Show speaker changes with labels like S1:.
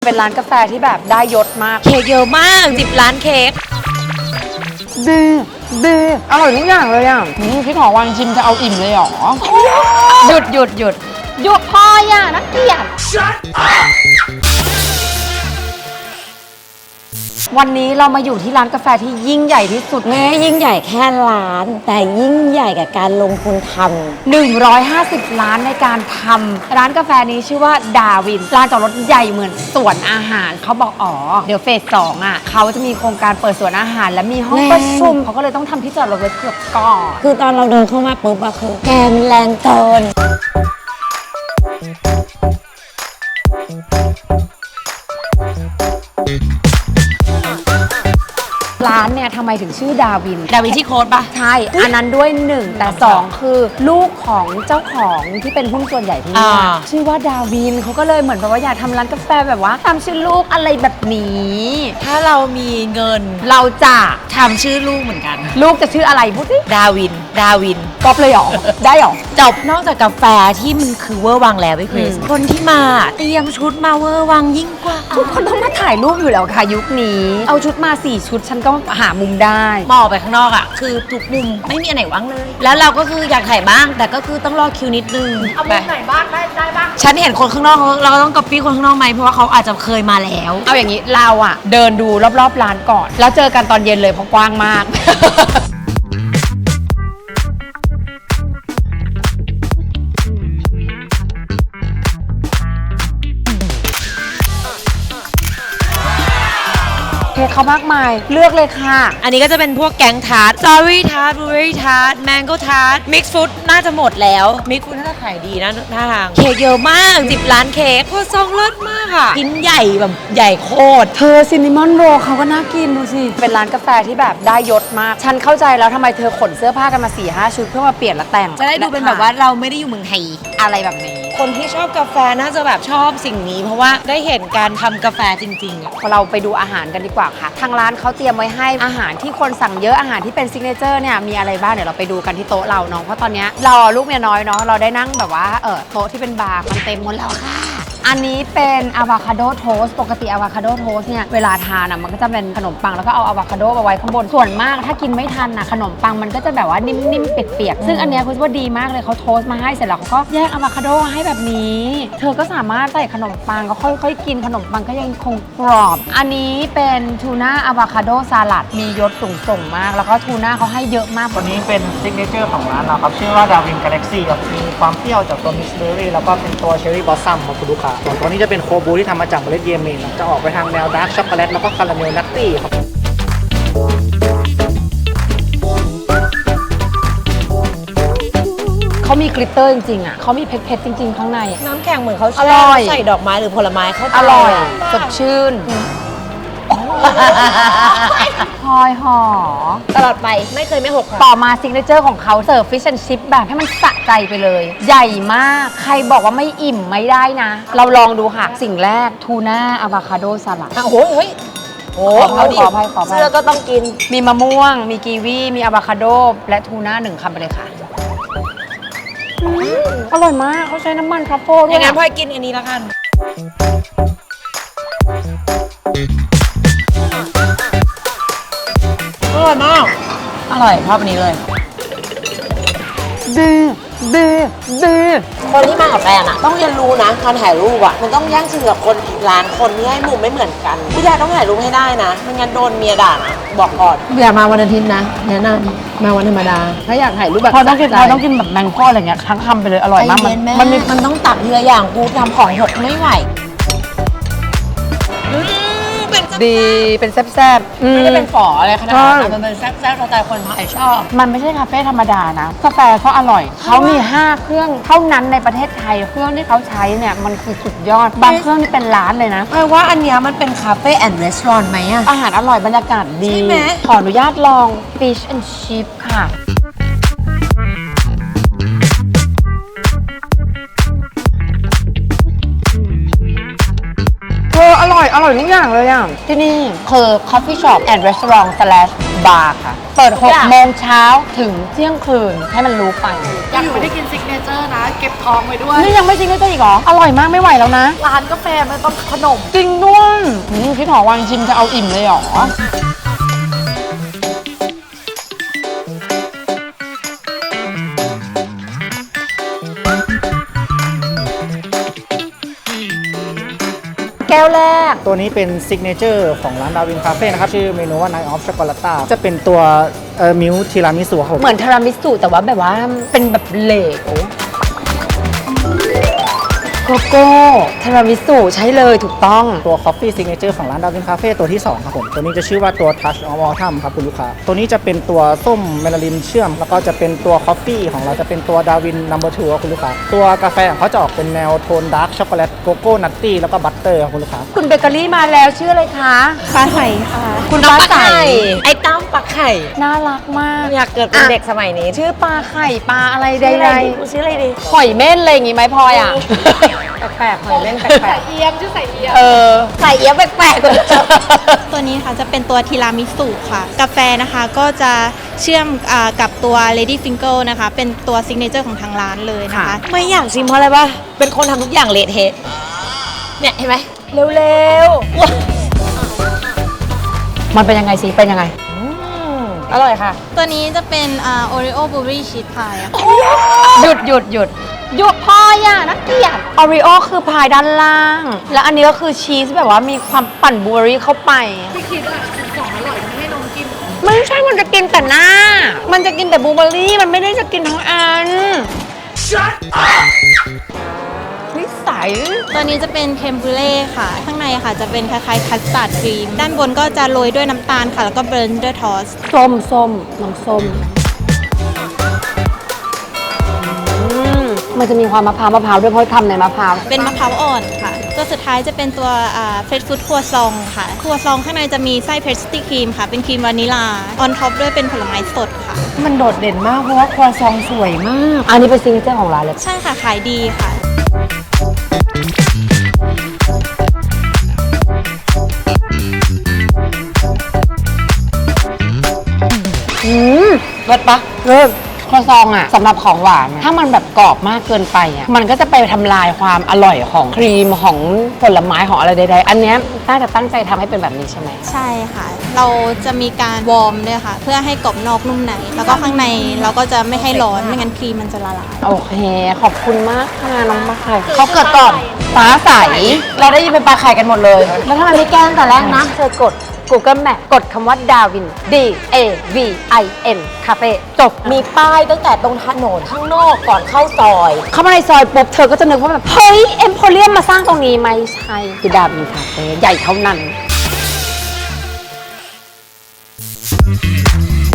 S1: เป็นร้านกาแฟที่แบบได้ยศมาก
S2: เค้กเยอะมาก10 ล้านเค้ก
S1: ดีอร่อยทุกอย่างเลยอ่ะพี่ขอวางชิมจะเอาอิ่มเลยหรอหยุดพออย่านะเกลียดวันนี้เรามาอยู่ที่ร้านกาแฟที่ยิ่งใหญ่ที่สุด
S2: ไม่ยิ่งใหญ่แค่ร้านแต่ยิ่งใหญ่กับการลงทุนท
S1: ำ150 ล้านในการทำร้านกาแฟนี้ชื่อว่าดาวินร้านจอดรถใหญ่เหมือนสวนอาหารเขาบอกเดี๋ยวเฟส 2อ่ะเขาจะมีโครงการเปิดสวนอาหารและมีห้องประชุมเขาก็เลยต้องทำที่จอดรถไว้เกือบก่อน
S2: คือตอนเราเดินเข้ามาปุ๊บอะคือแกมันแรงเกิน
S1: ร้านเนี่ยทำไมถึงชื่อดาวิน
S2: ที่โค้ดปะ
S1: ใช่อันนั้นด้วย1แต่2คือลูกของเจ้าของที่เป็นหุ้นส่วนใหญ่ที่นี่ชื่อว่าดาวินเขาก็เลยเหมือนแบบว่าอยากทำร้านกาแฟแบบว่าทำชื่อลูกอะไรแบบนี้
S2: ถ้าเรามีเงิน
S1: เราจะ
S2: ทำชื่อลูกเหมือนกัน
S1: ลูกจะชื่ออะไรพูดสิ
S2: ดาวิน
S1: ก๊อปเลยหรอได้หรอ
S2: จบนอกจากกาแฟที่มันคือเวอร์วังแล้วพี่คริสคนที่มาเตรียมชุดมาเวอร์วังยิ่งกว่า
S1: ทุกคนต้องมาถ่ายรูปอยู่แล้วค่ะยุคนี้เอาชุดมา4 ชุดฉันก็หามุมได้
S2: มองไปข้างนอกอ่ะคือทุกมุมไม่มีอันไหนว่างเลยแล้วเราก็คืออยากถ่ายบ้างแต่ก็คือต้องรอคิวนิดนึง
S1: เอามุมไหนบ้างได้บ้าง
S2: ฉันเห็นคนข้างนอกเราก็ต้องก๊อปปี้คนข้างนอกไหมเพราะว่าเขาอาจจะเคยมาแล้ว
S1: เอาอย่างนี้เราอ่ะเดินดูรอบๆร้านก่อนแล้วเจอกันตอนเย็นเลยเพราะกว้างมากเขามากมายเลือกเลยค่ะ
S2: อันนี้ก็จะเป็นพวกแกงทาร์ตสตรอเบอรี่ทาร์ตบลูเบอรี่ทาร์ตแมงโก้ทาร์ตมิกซ์ฟรุตน่าจะหมดแล้วมิกซ์ฟรุตน่าจะขายดีนะท่าทางเค้กเยอะมาก10 ล้านเค้กโคตรซองเลิศมากค่ะกินใหญ่แบบใหญ่โคตร
S1: เธอซินนามอนโรลเขาก็น่ากินดูสิเป็นร้านกาแฟที่แบบได้ยศมากฉันเข้าใจแล้วทำไมเธอขนเสื้อผ้ากันมา 4-5 ชุดเพื่อมาเปลี่ยนและแต่ง
S2: จะได้ดูเป็นแบบว่าเราไม่ได้อยู่เมืองไทย
S1: อะไรแบบนี้
S2: คนที่ชอบกาแฟน่าจะแบบชอบสิ่งนี้เพราะว่าได้เห็นการทำกาแฟจริงๆ
S1: พอเราไปดูอาหารกันดีกว่าค่ะทางร้านเขาเตรียมไว้ให้อาหารที่คนสั่งเยอะอาหารที่เป็นซิกเนเจอร์เนี่ยมีอะไรบ้างเดี๋ยวเราไปดูกันที่โต๊ะเราเนาะเพราะตอนนี้เราลูกเมียน้อยเนาะเราได้นั่งแบบว่าโต๊ะที่เป็นบาร์มันเต็มหมดแล้วค่ะอันนี้เป็นอะวาคาโดโทสต์ปกติอะวาคาโดโทสต์เนี่ยเวลาทานอ่ะมันก็จะเป็นขนมปังแล้วก็เอาอะวาคาโดมาไว้ข้างบนส่วนมากถ้ากินไม่ทันอ่ะขนมปังมันก็จะแบบว่านิ่มๆเปียกๆซึ่งอันเนี้ยคุณว่าดีมากเลยเขาโทสต์มาให้เสร็จแล้วเขาก็แยกอะวาคาโดให้แบบนี้เธอก็สามารถใส่ขนมปังก็ค่อยๆกินขนมปังก็ยังคงกรอบอันนี้เป็นทูน่าอะวาคาโดสลัดมียศสูงมากแล้วก็ทูน่าเขาให้เยอะมาก
S3: ตัวนี้เป็นซิกเนเจอร์ของร้านเราครับชื่อว่าดาวินกาแล็กซี่ครับมีความเปรี้ยวจากตัวมิกซ์เบอร์รี่แล้วก็เป็นตัวเชอร์รี่บอสซัมของคุณลูกค้าส่วนตัวนี้จะเป็นโคบูที่ทำมาจากเมล็ดเยเมนจะออกไปทางแนวดาร์กช็อกโกแลตแล้วก็คาราเมลนัตตี้ครับ
S1: เขามีกลิตเตอร์จริงๆอ่ะเขามีเพชรจริงๆข้างใน
S2: น้ำแข็งเหมือนเขาใส่ดอกไม้หรือผลไม้เขา
S1: อร่อยสดชื่นพลอยหอ
S2: ตลอดไปไม่เคยไม่หก
S1: ต่อมาซิกเนเจอร์ของเขาเสิร์ฟฟิชแอนด์ชิพแบบให้มันสะใจไปเลยใหญ่มากใครบอกว่าไม่อิ่มไม่ได้นะเราลองดูค่ะสิ่งแรกทูน่าอะวาคาโดสลัด
S2: โอ้โห
S1: เอาดิ
S2: เสื้อก็ต้องกิน
S1: มีมะม่วงมีกีวีมีอะวาคาโดและทูน่า1 คำไปเลยค่ะอร่อยมากเขาใช้น้ำมันทรัฟเฟิลด้วย
S2: อย่างนั้นพ่อกินอันนี้แล้วกันอร่อยมากอร่อยชอบอันนี้เลย
S1: ดี
S2: คนที่มากับแฟนอะต้องเรียนรู้นะการถ่ายรูปอะมันต้องแย่งชิงกับคนร้านคนที่ให้มุมไม่เหมือนกันพี่แดาต้องถ่ายรูปให้ได้นะไม่งั้นโดนเมียด่านะบอกก่อน
S1: อย่ามาวันอาทิตย์นะแนะนำมาวันธรรมดาถ้าอยากถ่ายรูปแบบพอต้องกินแบบแมงพ่ออะไรเงี้ยทั้งคำไปเลยอร่อยมาก
S2: มันต้องตักเยอะอย่างกูทำของหกไม่ไหว
S1: ดีเป็นแซ่บ
S2: ๆไม่ได้เป็นฝออะไรขนาดนั้นมันเป็นแซ่บๆสไตล์คนไทยชอบ
S1: มันไม่ใช่คาเฟ่ธรรมดานะกาแฟเขาอร่อยเขามี5 เครื่องเท่านั้นในประเทศไทยเครื่องที่เขาใช้เนี่ยมันคือสุดยอดบางเครื่องนี่เป็นล้านเลยนะ
S2: แปลว่าอันนี้มันเป็นคาเฟ่แอนด์รีสอร์ทไหมอะ
S1: อาหารอร่อยบรรยากาศดีขออนุญาตลอง Fish and Chip ค่ะอร่อยทุกอย่างเลยอ่ะที่นี่คือ Coffee Shop and Restaurant / บาร์ค่ะ เปิด6โมงเช้าถึงเที่ยงคืนให้มันรู้ไป
S4: ยังไม่ได้กินซิกเนเจอร์นะ เก็บทองไว้ด้วย
S1: นี่ยังไม่จริงก็จะอีกเหรอ อร่อยมากไม่ไหวแล้วนะ
S4: ร้านกาแฟมันต้องขนม
S1: จริงด้วยพี่ถอวางชิมจะเอาอิ่มเลยเหรอ แก้วแรก
S3: ตัวนี้เป็นซิกเนเจอร์ของร้านดาวินคาเฟ่นะครับ ชื่อเมนูว่า Night of Chocolata จะเป็นตัวมิลทีรามิสุครับผม
S1: เหมือนทารามิสุแต่ว่าแบบว่าเป็นแบบเหลวโกโก้ทารามิสุใช้เลยถูกต้อง
S3: ตัว Coffee Signature ของร้านดาวินคาเฟ่ตัวที่ 2 ครับผม ตัวนี้จะชื่อว่าตัว Touch of Autumn ครับคุณลูกค้า ตัวนี้จะเป็นตัวส้มเมลาลินเชื่อม แล้วก็จะเป็นตัว Coffee ของเราจะเป็นตัวดาวิน No. 2ครับคุณลูกค้า ตัวกาแฟของเขาจะออกเป็นแนวโทนดาร์กช็อกโกแลตโกโก้นัตตี้แล้วก็บัตเตอร์ครับคุณลูกค้า
S1: คุณเบเกอรี่มาแล้วชื่ออะไรคะ
S4: ฟ้าใสค่ะ
S1: คุณ
S2: น้อง
S1: ฟ้า
S2: ปลา
S1: ใส
S2: ไข่ไอ้ตั้มปลาไข่
S1: น่ารักมาก
S2: อยากเกิดเป็นเด็กสมัยนี้
S1: ชื่อปลาไข่ปลาอะไรใด
S2: ชื่ออะไรดี
S1: ๆหอยเม่นอะไรอย่างงี้ไหมพลอยอ่ะ
S2: แปลกๆหอยเล่นแปลก
S4: เอียมชื่อใส่เอียม
S1: เออ
S2: ๆใส่เอี้ยบแปลกๆเลย
S5: ตัวนี้ค่ะจะเป็นตัวทีรามิสุค่ะ กาแฟนะคะก็จะเชื่อมกับตัว Lady Finger นะคะ เป็นตัวซิกเนเจอร์ของทางร้านเลยนะคะ
S1: ค่ะ
S2: ไม่อยากชิมเพราะอะไรปะเป็นคนทำทุกอย่างเละเทะเนี่ยเห็นไหมเร็วๆ
S1: มันเป็นยังไงสิเป็นยังไง
S2: อร่อยค่ะ
S5: ตัวนี้จะเป็นOreo Blueberry Cheese Pie อะค่ะ
S1: หยุดหยุดหยุดหยุดพลอยอ่ะนักเกลียดออริโอคือพายด้านล่าง แล้วอันนี้ก็คือชีสแบบว่ามีความปั่นบลูเบอร์รี่เข้าไป
S4: พี่คิดว่าของอร่อยไม่ให้น้องกิน
S1: ไม่ใช่มันจะกินแต่หน้า มันจะกินแต่บลูเบอร์รี่ มันไม่ได้จะกินทั้งอัน นิสัย
S5: ตัวนี้จะเป็นเคมบูเล่ค่ะ ข้างในค่ะจะเป็นคล้ายๆคัสตาร์ดครีม ด้านบนก็จะโรยด้วยน้ำตาลค่ะ แล้วก็เบรนด์ด้วยทอส
S1: ส้มส้มน้องส้มมันจะมีความมะพร้าวด้วยเพราะทำในมะพร้าว
S5: เป็นมะพร้าวอ่อนค่ะ ตัวสุดท้ายจะเป็นตัวเฟรชฟู้ดครัวซองค่ะ ครัวซองข้างในจะมีไส้เพสตรีครีมค่ะ เป็นครีมวานิลา ออนท็อปด้วยเป็นผลไม้สดค่ะ
S2: มันโดดเด่นมากเพราะว่าครัวซองสวยมาก
S1: อันนี้เป็นซิงเกิลของร้านเลย
S5: ใช่ค่ะ ขายดีค่ะ
S1: รสปะเริ่มครัวซองอะสำหรับของหวานอะถ้ามันแบบกรอบมากเกินไปอะมันก็จะไปทำลายความอร่อยของครีมของผลไม้ของอะไรใดๆ อันเนี้ยน่าจะตั้งใจทำให้เป็นแบบนี้ใช่ไหม
S5: ใช่ค่ะ เราจะมีการวอร์มด้วยค่ะ เพื่อให้กรอบนอกนุ่มใน แล้วก็ข้างในเราก็จะไม่ให้ร้อน ไม่งั้นครีมมันจะละลาย
S1: โอเค ขอบคุณมากค่ะน้องปลาไข่เขาเกิดก่อนฟ้าใส เราได้ยินเป็นปลาไข่กันหมดเลย แล้วทำไมไม่แกล้งแต่แรกนะเธอกด Google Map กดคำว่าดาวิน D A V I N คาเฟ่จบ
S2: มีป้ายตั้งแต่ตรงถนนข้างนอกก่อนเข้าซอย
S1: เข้ามาในซอยปุ๊บเธอก็จะนึกว่าแบบ เฮ้ย เอ็มโพเรียมมาสร้างตรงนี้ไม่ใช่ คือดาวินคาเฟ่ใหญ่เท่านั้น